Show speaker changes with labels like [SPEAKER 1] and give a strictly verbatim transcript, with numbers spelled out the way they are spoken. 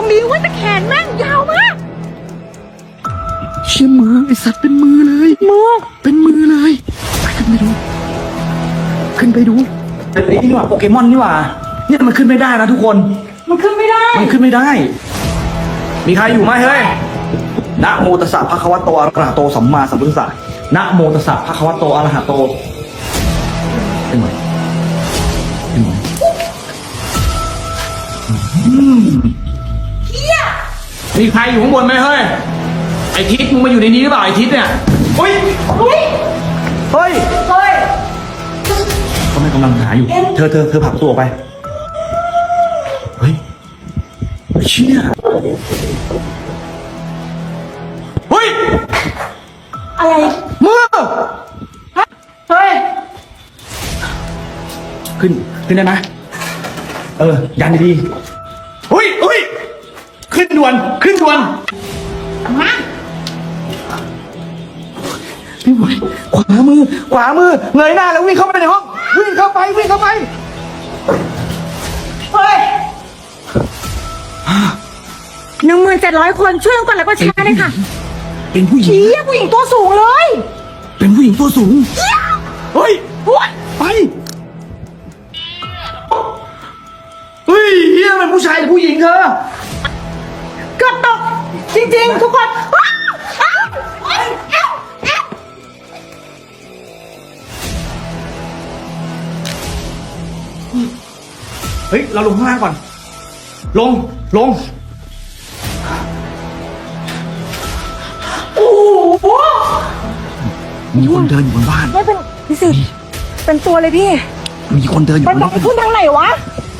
[SPEAKER 1] รงนี้ว่าแต่แขนแม่งยาวมาก
[SPEAKER 2] เชี่ยมือไอสัตว์เป็นมือเลยมือเป็นมือเลยไปขึ้นไปดูขึ้นไปดูเป็นไอ้นี่หว่าโปเกมอนนี่หว่าเนี่ยมันขึ้นไม่ได้นะทุกคน
[SPEAKER 1] มันขึ้นไม่ได้
[SPEAKER 2] มันขึ้นไม่ได้ มีใครอยู่ไหมเฮ้ยนะโมตัสสะภะคะวะโตอะระหะโตสัมมาสัมพุทธัสสะนะโมตัสสะภะคะวะโตอะระหะโตเป็นไหมเป็นไหมมีใครอยู่ข้างบนไหมเฮ้ยไอทิศมึงมาอยู่ในนี้หรือเปล่าไอทิศเนี่ยเฮ้ย
[SPEAKER 1] เฮ้ย
[SPEAKER 2] เฮ้ย
[SPEAKER 1] เฮ้ย
[SPEAKER 2] ก็ไม่กำลังหาอยู่ เธอเธอเธอผลักตัวออกไปเฮ้ยเชี่ยเฮ้ย
[SPEAKER 1] อะไร
[SPEAKER 2] มือ
[SPEAKER 1] เฮ้ย
[SPEAKER 2] ขึ้นขึ้นได้ไหมเออยันดีๆเฮ้ยเฮ้ยขึ้นด่วนขึ้นด่วน
[SPEAKER 1] มา
[SPEAKER 2] พี่บอยขวามือขวามือเงยหน้าแล้ววิ่งเข้าไปในห้องวิ่งเข้าไปวิ่งเข้าไป
[SPEAKER 1] เฮ้ยหนึ่งหมื่นเจ็ดร้อยคนช่วยกันกดแล้วก็แชร์เลยค่ะ
[SPEAKER 2] เป็นผู้หญิง
[SPEAKER 1] เชี่ยผู้หญิงตัวสูงเลย
[SPEAKER 2] เป็นผู้หญิงตัวสูงเฮ้ย
[SPEAKER 1] หัว
[SPEAKER 2] ไปเฮ้ยเฮียเป็นผู้ชายหรือผู้หญิงเธอ
[SPEAKER 1] เกือบตกจริงๆ ทุกคนอ้าวอ้าวอ้าวอ้าวอ้าว
[SPEAKER 2] เฮ้ยเราลงข้างล่างก่อนลงลง
[SPEAKER 1] โอ้โห
[SPEAKER 2] มีคนเดินอยู่บนบ้าน
[SPEAKER 1] ไม่เป็นพี่สิเป็นตัวเลยพี่
[SPEAKER 2] มีคนเดินอยู่
[SPEAKER 1] มัน
[SPEAKER 2] บน
[SPEAKER 1] ต้อ
[SPEAKER 2] บ้าง น
[SPEAKER 1] ขึ้นทางไหนวะ